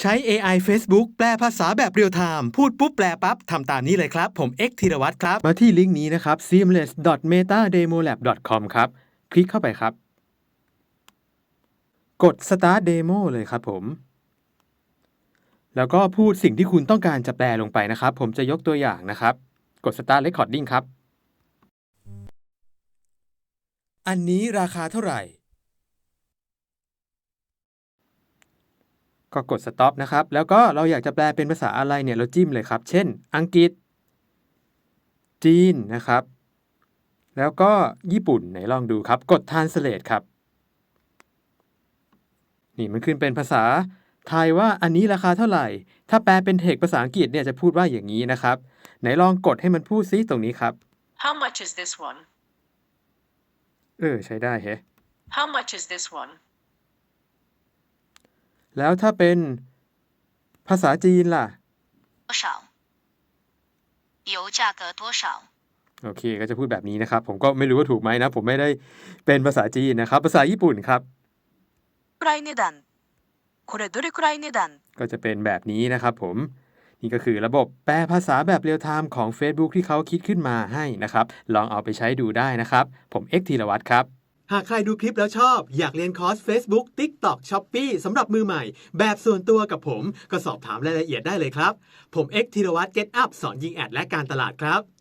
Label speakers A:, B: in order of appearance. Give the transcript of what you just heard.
A: ใช้ AI Facebook แปลภาษาแบบเรียลไทม์พูดปุ๊บแปลปั๊บทำตามนี้เลยครับผม X ธีรวัตรครับมาที่ลิงก์นี้นะครับ seamless.metademolab.com ครับคลิกเข้าไปครับกด Start Demo เลยครับผมแล้วก็พูดสิ่งที่คุณต้องการจะแปลลงไปนะครับผมจะยกตัวอย่างนะครับกด Start Recording ครับอันนี้ราคาเท่าไหร่ก็กด Stop นะครับแล้วก็เราอยากจะแปลเป็นภาษาอะไรเนี่ยเราจิ้มเลยครับเช่นอังกฤษจีนนะครับแล้วก็ญี่ปุ่นไหนลองดูครับกด Translate ครับนี่มันขึ้นเป็นภาษาไทยว่าอันนี้ราคาเท่าไหร่ถ้าแปลเป็นเทคภาษาอังกฤษเนี่ยจะพูดว่าอย่างนี้นะครับไหนลองกดให้มันพูดซิตรงนี้ครับ
B: How much is this one?
A: ใช้ได้แฮะ
B: How much is this one?
A: แล้วถ้าเป็นภาษาจีนล่ะ
C: 多少油价格多少
A: โอเคก็จะพูดแบบนี้นะครับผมก็ไม่รู้ว่าถูกไหมนะผมไม่ได้เป็นภาษาจีนนะครับภาษาญี่ปุ่นครับ
C: くらい値段これどれくらい値段
A: ก็จะเป็นแบบนี้นะครับผมนี่ก็คือระบบแปลภาษาแบบเรียลไทม์ของ Facebook ที่เขาคิดขึ้นมาให้นะครับลองเอาไปใช้ดูได้นะครับผม X ธีรวัตรครับหากใครดูคลิปแล้วชอบอยากเรียนคอร์ส Facebook TikTok Shopee สำหรับมือใหม่แบบส่วนตัวกับผมก็สอบถามรายละเอียดได้เลยครับผม X ธีรวัตร Get Up สอนยิงแอดและการตลาดครับ